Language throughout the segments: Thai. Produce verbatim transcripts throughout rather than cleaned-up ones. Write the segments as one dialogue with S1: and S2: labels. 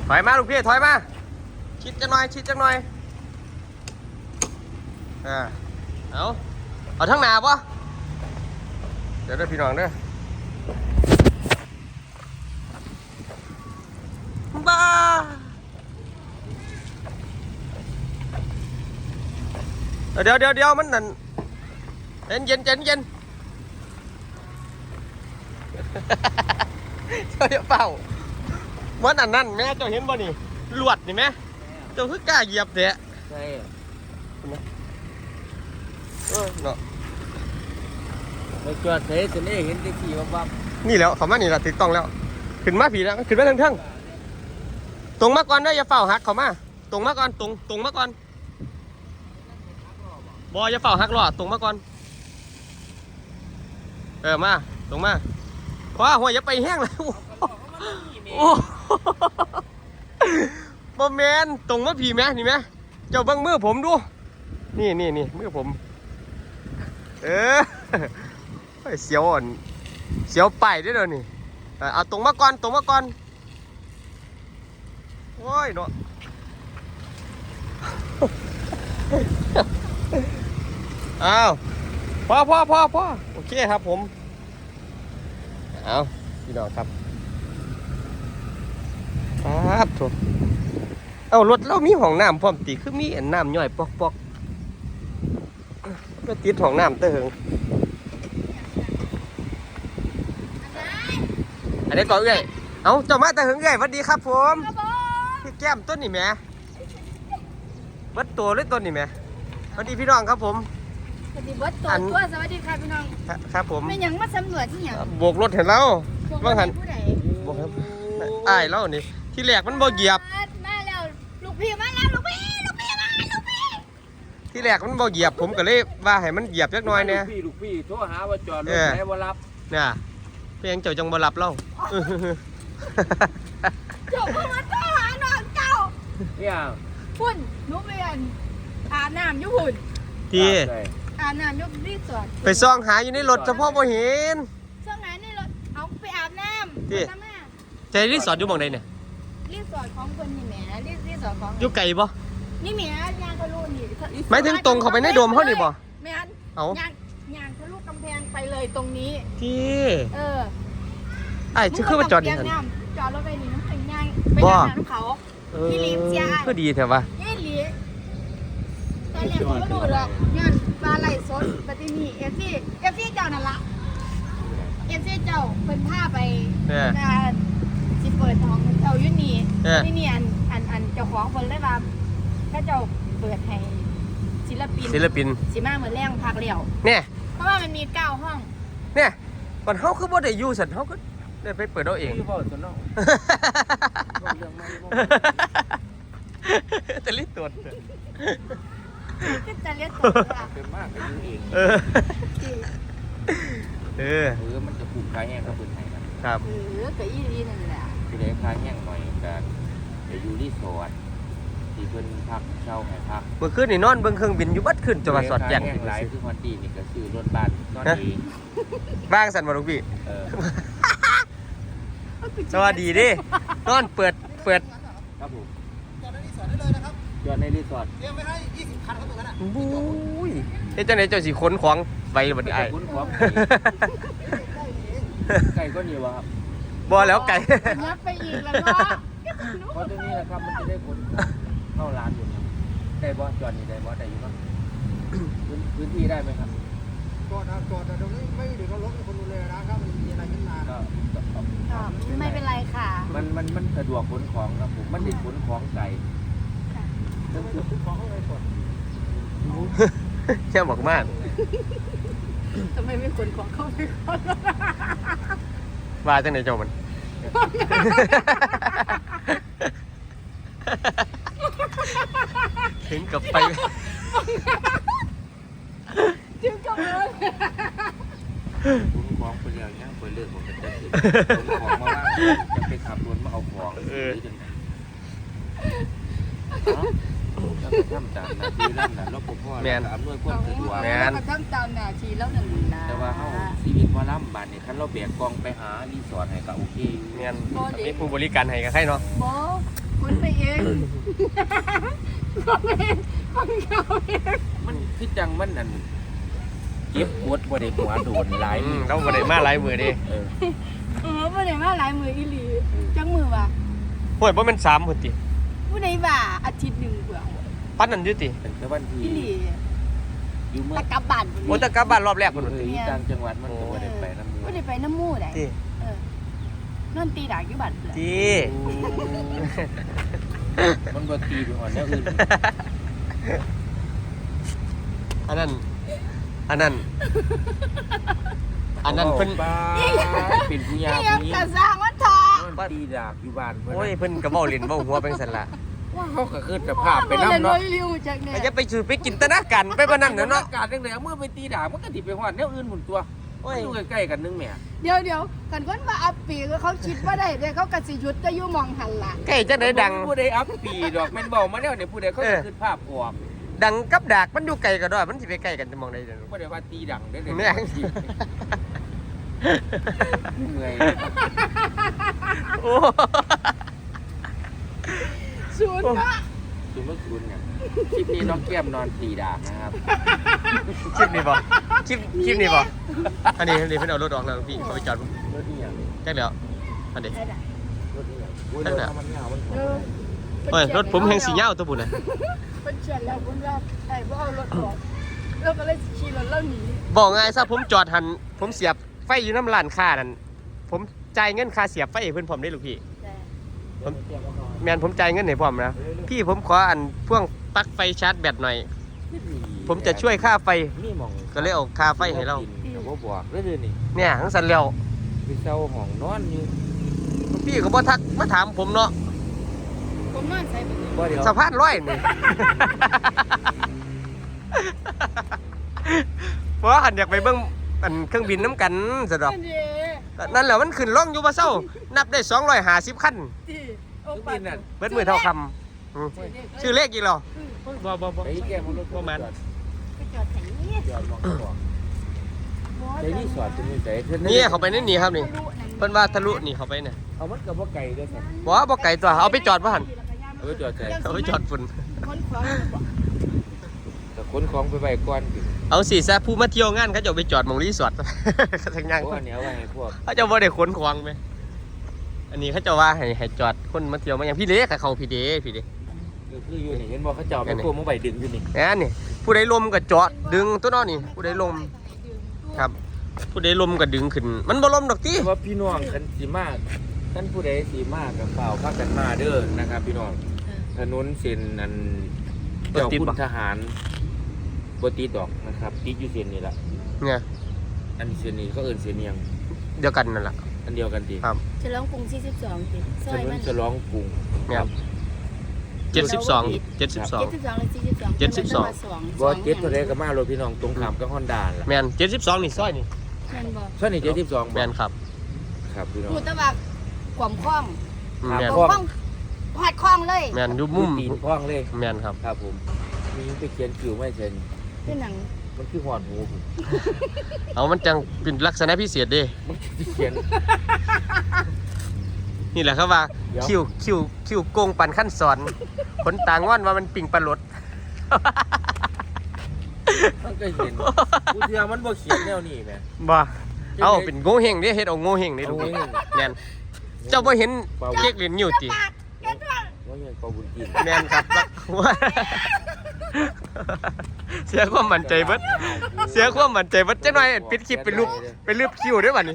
S1: ถอยมาลูกพี่ถอยมาชิดจังหน่อยชิดจังหน่อยอ่าเอาเอาทั้งหนาปะเดี๋ยวเด้อพี่น้องเด้อบ้าเดี๋ยวเดี๋ยวเดี๋ยวมันนั่นเย็นเย็นเย็นเย็นเจ้าเฝ้ามันอันนั้นแม่เจ้าเห็นบ่นี่ลวดนี่แม่เจ้าคือกล้าเหยียบเตะใช่เออเนาะ
S2: ไปจอดเทสนี่เห็นที่ขี่วับ
S1: นี่แล้วเขามานี่ละถูกต้องแล้วขึ้นมาผีแล้วขึ้นมาทั้งๆตรงมาก่อนได้อย่าเฝ้าหักเขามาตรงมาก่อนตรงตรงมาก่อนบออย่าเฝ้าหักหลอดตรงมาก่อนเออมาตรงมาคว้าหัวอย่าไปแห้งเลยโอ้บอแมนตรงมาผีแม่นี่แม่เจ้าบังมือผมดูนี่นี่นี่มือผมเออเสียวอ่อนเสียวไปได้เลยนี่เอาตรงมาก่อนตรงมาก่อนโอ้ยเนาะอ้าวพ่อพ่อพ่อพ่อโอเคครับผมเอาพี่น้องครับครับถูกเอารถเรามีห้องน้ำพร้อมตีคือมีอันน้ำย่อยปอกปอกก็ติดห้องน้ำเตอร์อันนี้ก่อนเอ้ยเอาเจ้ามาแต่หึงเอ้ยสวัสดีครับผมพี่แก้มต้นนี่แม่วัดตัวเลยต้นนี่แม่สวัสดีพี่น้องครับผม
S3: สวัสดีวัดตัวตัวสวัสดีครับพี่น้อง
S1: ครับผม
S3: ไม่ยังมาสำรวจที่ยัง
S1: โบกรถเห็นแล้วว่าหัน
S3: ผู้ใด
S1: โบกครับอ้ายแล้วนี่ที่แรกมันบ่เหยียบ
S3: มาแล้วลูกพี่มาแล้วลูกพี่ลูกพี่มาลูกพี่
S1: ที่แรกมันบ่เหยียบผมก็เลยว่าให้มันเหยียบจักหน่อยเนี่ย
S2: ลูกพี่ลูกพี่โทรหาว่าจอดรถไหนบ่รับ
S1: เนี่ยเพียงเจ้าจังบ่รับเล่า
S3: เจ้าพ่อมาโทรหาน้องเจ้า
S2: เนี่ย
S3: พุ่นนุ๊กเรียนอาบน้ำยุหุ่น
S1: ที
S3: อาบน้ำยุบรีสอร์ท
S1: ไปซ่องหาอยู่ในรถเฉพาะบ่เห็น
S3: ซ่องไหนในรถเอาไปอาบน้ำ
S1: ที่ใจรีสอร์ทอยู่หม้องใดเนี่ย
S3: รีสอร์ทของคนนี่แหมรีรีสอร์ทของ
S1: อยู่ไกลบ่
S3: นี่แหมยางทะลุนี่
S1: หมายถึงตรงเข้าไปในโดมเขานี่บ่
S3: แม่นเอายางยางทะลุกำแพงไปเลยตรงนี้
S1: ที่
S3: เออ
S1: ไอ้ชื่อคือว่าจอดนี่หั่น
S3: จอดรถไปนี่น้ำแข็งยางไปยางน้ำเขาที่ลีเซีย
S1: คือดีแท้ว่ะ
S3: ยี่ลีตอนแรกผมก็ดูดอกย้อนปลาไหลสดปฏินีเอฟซีเอฟซีเจ้านั่นละเอฟซีเจ้าเพิ่นพาไปการสิเปิดของเจ้ายุ่นี่ที่นี่อันอันอันเจ้าของคนเลยว่าถ้าเจ้าเปิดให้ศิลปิน
S1: ศิลปิน
S3: สิมาเหมือนแรงพักเลี้ยว
S1: เนี่ย
S3: เพราะว่ามันมีเก้าห้อง
S1: เนี่ยก่อนเฮาคือบ่ได้อยู่ซั่นเฮาก็ได้ไปเปิดเอาเอง
S2: อยู่บ่ซั่นเนาะเรื่องใหม่บ่
S1: แต่ลิตร
S3: ก็จะเรียกตัว
S2: เป็นมากก็อยู่เอง
S1: เออเออ
S2: เออมันจะผูกคาแห้งกับเพิ่นให้
S1: ครับ
S3: เออก็อีลีนั่นแหละ
S2: สิได้คาแห้งหน่อยกันไปอยู่รีสอร์ทที่เพิ่นพักเช่าให้พัก
S1: เมื่อคืนนี่นอนเบิ่งเครื่องบินอยู่บัดขึ้นจังหวัดสอดแจ้ง
S2: หลายคือฮอดดีนี่ก็ซื้อรถบัสนอนเอง
S1: บ้างสั่นบ่ลูกพี่
S2: เออ
S1: สวัสดีดินอนเปิดเปิด
S2: ครับผมจอดในรีสอร์ทได้เลยนะครับจอดในรีสอร์ท
S4: เตรียมไว้ให้ยี่สิบคันครับตรงนั้นน่ะ
S1: บุ้ยเฮ็ดจังได๋เจ้าสิขนของไปบ่ได้
S2: ขนของไก่ก็เหนียวครับ
S1: บ่แล้วไก่
S3: นับไปอีกแล้วเนาะ
S2: เพราะตรงนี้นะครับมันจะได้ขนเข้าร้านอยู่ได้บ่จอดนี่ได้บ่ได้อยู่ครับพื้นที่ได้ไหมครับ
S4: จอดนะจอดแต่ตรงนี้ไม่เดือดร้อนคนดูแลนะครับมันมีอะไรขึ้นมา
S2: ก็
S3: ไม่เป็นไรค่ะ
S2: มันมันมันสะดวกขนของครับผมมันติดขนของไก่
S4: ต้องขนของเข้าไปก่อน
S1: แค่บอกมาก
S3: ทำไมไม่ขนของเข้าไปก่อน
S1: ว่าจังไหนเจ้ามันถึงกับไป
S3: ถึงกับเลย
S2: ขนของไปเรื่องนี้ไปเรื่องของกันขนของมาว่าจะไปขับรถมาเอาของหรือจังไงแล้วก็ทำตามหน้าที่นั่นน่ะรปภแล้วอำนวยความสะดวก
S3: แล้วก็ทำตามหน้าที่แล้วหนึ่งนะ
S2: แต่ว่าเฮาชีวิตว่าล่ำบานนี่คันเราแบกกองไปหารีสอร์ทให้ก็โอเค
S1: แม่นมีผู้บริการให้ก็ใครเนาะ
S3: บ่ผู้เองคนเองคนเขาเอง
S2: มันคือจังมันนั่นเก็บปวดบ่ได้หัวโดนหลาย
S1: อืมเราบ่ได้มาหลายมื้อเด้
S2: เออ
S3: เออบ่ได้มาหลายมืออีหลีจังมือว่ะ
S1: โอ้ยบ่แม่นสามพุ่นติ
S3: ผู้ใดว่าอาทิตย์หนึงเบื่อ
S1: ปานนั้นอยู่ติ
S2: ตั้งแต่วันที่
S3: อีหลี
S2: อยู่เมื่อ
S3: ตะกลับบ้าน
S1: โอ้แต่กลับบ้านรอบแรกพุ่น
S2: เอออยู่ต่างจังหวัดมันก็บ่ได้ไปนำ
S3: บ่ได้ไปน้ำหมู่ได้
S1: ติ
S3: เออนอนตีดากอยู่บ้านเบื่อ
S1: ติ
S2: มันบ่ตีไปหอดแนวอื่น
S1: อันนั้นอันนั้นอันนั้นเพิ่น
S2: บ้าเป็นผู้ยา
S3: นี่ยัง
S2: ผู้หญิง
S3: กะสร้างมันทอ
S2: มันตีดากอยู่บ้านเพิ่น
S1: โอ้ยเพิ่นก็เว้าเล่นเว้าหัวเป็นซั่นล่ะ
S2: ว่าเขาก็คือสภาพไปนำ
S3: เนาะ
S2: เนาะ
S3: ริวจากเนี่ย
S1: ก็จะไปสู่ไปจินตนาการไปบ่นั่นน่ะเนาะ
S2: การจังได๋เมื่อไปตีดากมันก็สิไปฮอดแนวอื่นหมุนตัว
S1: โอ้ย
S2: อยู่ใกล้ๆกันนึงแหม่
S3: เดี๋ยวเดี๋ยวกันคนว่าอัปปีก็เขาคิดว่าได้เดี๋ยวเขากะสิหยุดจะอยู่มองหันล่ะ
S1: ใกล้จังได๋ดัง
S2: ผู้ใดอัพปีดอกแม่นเว้ามาแล้วเนี่ยผู้ใดเขาก็คือภาพออก
S1: ดังกับดากมันอยู่ไกลกันด้วยมันสิไปใกล้กันจะมองได้เด้อ
S2: บ่ได้ว่าตีดังได้อเลย
S1: แม่ง
S2: เมื่อย
S1: โอ้
S3: ศูนย์เนาะ
S2: คือเมื่อคืนเนี่ยคลิปนี้น้องแก้มนอนตีดากนะครับ
S1: คลิปนี้บ่คลิปคลิปนี้บ่อันนี้อันนี้เพิ่นเอารถออกแล้วพี่เขาไปจอด
S2: รถนี่อย่าง
S1: จักแล้วอันนี้
S3: ได้
S2: รถนี่อย่างโอ้ยรถมันยาวมัน
S3: เออ
S1: โอ้ยรถผมแห่งสีเหย้าตัวบุญน่ะ
S3: เป็นเชียนแล้วคุณว่าไอ้บ่เอารถออกแล้วก็เลยขี่รถแล้วหนี
S1: บอกง่ายซะผมจอดหันผมเสียบไฟอยู่น้ำร้านค้านั่นผมจ่ายเงินค่าเสียบไฟให้เพิ่นพร้อมได้ลูกพี่
S3: แต่
S1: แม่นผมจ่ายเงินให้พร้อมนะพี่ผมขออันพ่วงปลั๊กไฟชาร์จแบตหน่อย ผมจะช่วยค่าไฟ
S2: นี่มอง
S1: ก็เลยเอาค่าไฟให้เรา
S2: แต่ว่าบอกเรื่อยๆนี่
S1: เนี่ยทั้งสันแล้ว
S2: ไปเศร้าห้องนอนอยู่
S1: พี่ก็บ่ทักมาถามผมเนาะ
S3: ผมนอนใส่ไปเลย
S2: บ่เดี๋ยว
S1: สะพานร้อยนี่ เพราะหันอยากไปเบิ่งอันเครื่องบินน้ำกันซะดอก
S3: นั่นเด้
S1: นั่นแหละมันขึ้นล่องอยู่บ่เซานับได้สองร้อยห้าสิบคัน
S3: ที่โอ้
S2: ทุก
S3: ปั
S2: บิ
S3: ด
S2: นน่ะ
S1: เบิดมือเท่าคำอืมชื่อเลขอีกเหรอบ่บ่บ่
S2: ไอ้แก้มรถ
S1: บ่มัน
S3: ไปจอดแถวนี้
S2: จอดมองก็บอกไอ้นี่สอดจะมีใจเพิ่น
S1: นี่เขาไปนี่นี่ครับนี่เพิ่นว่าทะลุนี่เขาไปเนี่ย
S2: เอามันก็บ่ไกลเด้อครับ
S1: บ่ว่าบ่ไกลตัวเอาไปจอดบ่หั่น
S2: เออจอดใจ
S1: เอาไปจอดฝุ่น
S3: คนขวาง
S2: แต่ขนของไปไว้ก่อนสิ
S1: เอาสิซะผู้มาเที่ยวงานเขาจะเอาไปจอดหม่องรีสอร์ท ทั้งย่าง
S2: เพราะว่าเนี่ยเอาไว้ให้พวก
S1: เขาจะบ่ได้ขนของไหมอันนี้เขาจะว่าให้ให้จอดคนมาเที่ยวมาอย่างพี่เล็กกับเขาพี่เด้พี่เด้
S2: คือคืออยู่นี่เห็นบ่เขาเจ้าไปพวกมึงไปดึงอยู่นี่
S1: แอนนี่ผู้ใดลมก็จอดดึงตัวนอนี่ผู้ใดลมครับ ผู้ใดลมก็ดึงขึ้น มันบ่ลมดอกติ
S2: แต่ว่าพี่น้องคันสิมาท่านผู้ใดสิมากับเปล่าพากันมาเด้อนะครับพี่น้องถนนเส้นนั้นเจ้าคุณทหารบ่ติดดอกนะครับติดอยู่เส้นนี่ล่ะ
S1: เนี่ย
S2: อันนี้เส้นนี้เขาเอิ้นเส้นเนียง
S1: เดียวกันนั่นแหละ
S2: อันเดียวกันติ
S1: ครับ
S3: ฉลองกรุงสี่สิบสองติซ
S2: ถ
S3: อย
S2: น
S3: มัน น
S2: ฉลองกรุง
S1: เนี่ยเจ็ดสิบสองเจ็ดสิบสอง
S3: เจ็ดสิบสองหรือสี่สิบสอง
S1: เจ็ดสิบสอง
S2: บ่เจ็ดเท่าใดก็มารถพี่น้องตรงข้ามกับ Honda ล่ะ
S1: แมนเจ็ดสิบสองนี่ซอยนี่
S3: แม่นบ่
S2: ซอยนี่เจ็ดสิบสอง
S1: แมนครับ
S2: ครับพี่น้อง
S3: พูดแต่ว่าความคล่อง
S1: อืม
S2: ครับ
S1: แมน
S3: ความคล่องหอดคล่องเลย
S1: แมนอยู่มุม
S2: ตีนพ้องเลย
S1: แมนครับ
S2: ครับผมมีไปเขียนคิวไม่เช่น
S3: เป็นหนัง
S2: มันคือหอดหูผม
S1: เอามันจังเป็นลักษณะพิเศษเด้
S2: มันคือเขียน
S1: นี่แหละครับว่า
S2: เดี๋ยว
S1: คิวคิวคิวโกงปันขั้นสอนผลต่างว่านว่ามันปิ่งปลาหลด
S2: มันก็เห็นกูเทือมันบ่เขียนแนวนี้แหม
S1: บ่เอาเป็นโง่เฮงเด้เฮ็ดเอาโง่เฮงนี่ดู
S2: โง่เห้ง
S1: แม่นเจ้าบ่เห็นเก๊กเหรียญนิ้วติ
S3: ปากแค่ตัว
S2: ว่าอย่างเปาบุญกิน
S1: แม่นครับว่าเสียความมั่นใจเบิดเสียความมั่นใจเบิดจังหน่อยปิดคลิปเป็นรูปเป็นรูปคิวเด้อบัดนี้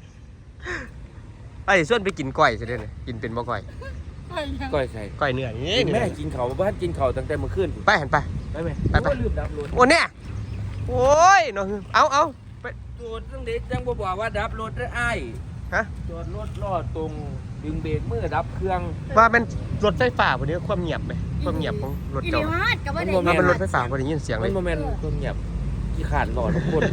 S1: ไอ้ส่วนไปกินก้อยซิเด้อนี่กินเป็นบ่ก้อย
S2: ก้อยใส่
S1: ก้อยเนื้อนี่
S2: แม่กินเขาวบ้านกินเขาวตั้งแต่เมื่อคืน
S1: ไปหันไป
S2: ไปไหม
S1: ไปไป
S2: โอ้ยลืมดับรถ
S1: โอ้เนี่ยโอ้ยเนาะเอาเอาไป
S2: โจดตั้งเด็กจังบ่บอกว่าดับรถได้อ้าย
S1: ฮะ
S2: จอดรถลอดตรงดึงเบรกมือดับเครื่อง
S1: ว่ามันรถไฟฟ้าบ่นี้ความเงียบไหมความเงียบของรถ
S3: อี
S1: เจ้า
S3: เดียวฮอดกับว่าได้
S1: ว่ามันรถไฟฟ้าบ่ได้ยินเสียงเล
S2: มัน
S1: ย
S2: โมเมนต์คนเงียบขี้ขาดหลอดทุกคน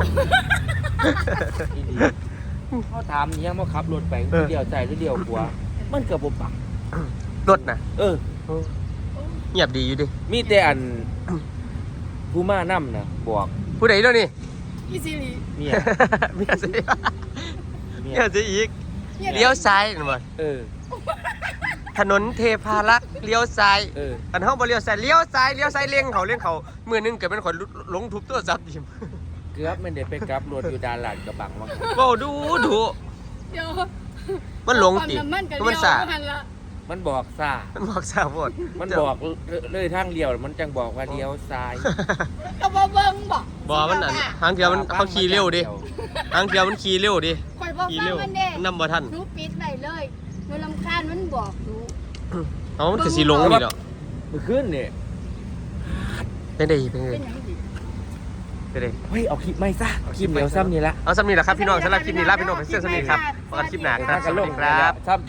S2: อีดีเขาถามเนี่ยมาขับรถไปเดียวใจหรือเดียวขวามันเกือบบ่ปัก
S1: รถน่ะ
S2: เออ
S1: เงียบดีอยู่ดิ
S2: มีแต่อัน ผู้มานํนะบอก
S1: ผู้ใดเด้อนี่
S3: อีซิลี
S2: เมีย
S1: เมียสิ
S2: เมีย
S1: เมียสิอีกเลี้ยวซ้ายนั่นบ่
S2: เออ
S1: ถนนเทพารักษ์เลี้ยวซ้าย
S2: เออ
S1: อันเฮาบ่เลี้ยวซ้ายเลี้ยวซ้ายเลี้ยวซ้ายเลี้ยงเขาเลี้ยงเขามื้อหนึงเกิดเป็นคนหลงทุบโทรศัพท์ยิม
S2: เกือบมันได้ไปกลับรถอยู่ด้านหลังกระบังว่า
S1: เว้าดูดู
S3: เดี๋ยว
S1: มันหลงติ
S3: ความน้ำมันกับ
S1: มัน
S3: เลี้ยว
S1: สา
S3: บ่ทันละ
S2: มันบอกซ่า
S1: มันบอกสาวโพด
S2: มันบอกเลยทางเลี้ยวมันจังบอกว่าเลี้ยวซ้าย
S3: ก็บ่เบิ่งบ่
S1: บ่มันอันทางเดียวมันเขาขี่เร็วดิทางเดียวมันขี่เร็วดิ
S3: ข่อยบ่
S1: ขี่
S3: ฟัง
S1: เร็ว
S3: มันเด้
S1: นำบ่ทัน
S3: หนูปิดไว้เลยหนูรำคาญมันบอกหนู
S1: เอามันก็สิหลงนี่ดอก
S2: เมื่อคืนนี่
S1: เป็นได้เป็นได้
S3: เป็นหยังสิ
S1: เป็นได้
S2: เฮ้ยเอาคลิปไม่ซะคลิปเดียวซ้ำนี่ละ
S1: เอาสำนีแหละครับพี่น้องสำหรับคลิปนี้ลาพี่น้องไปเสื้อสำนีครับพบกันคลิปหน้าครับสวัสดีครับ
S2: ซ้ำ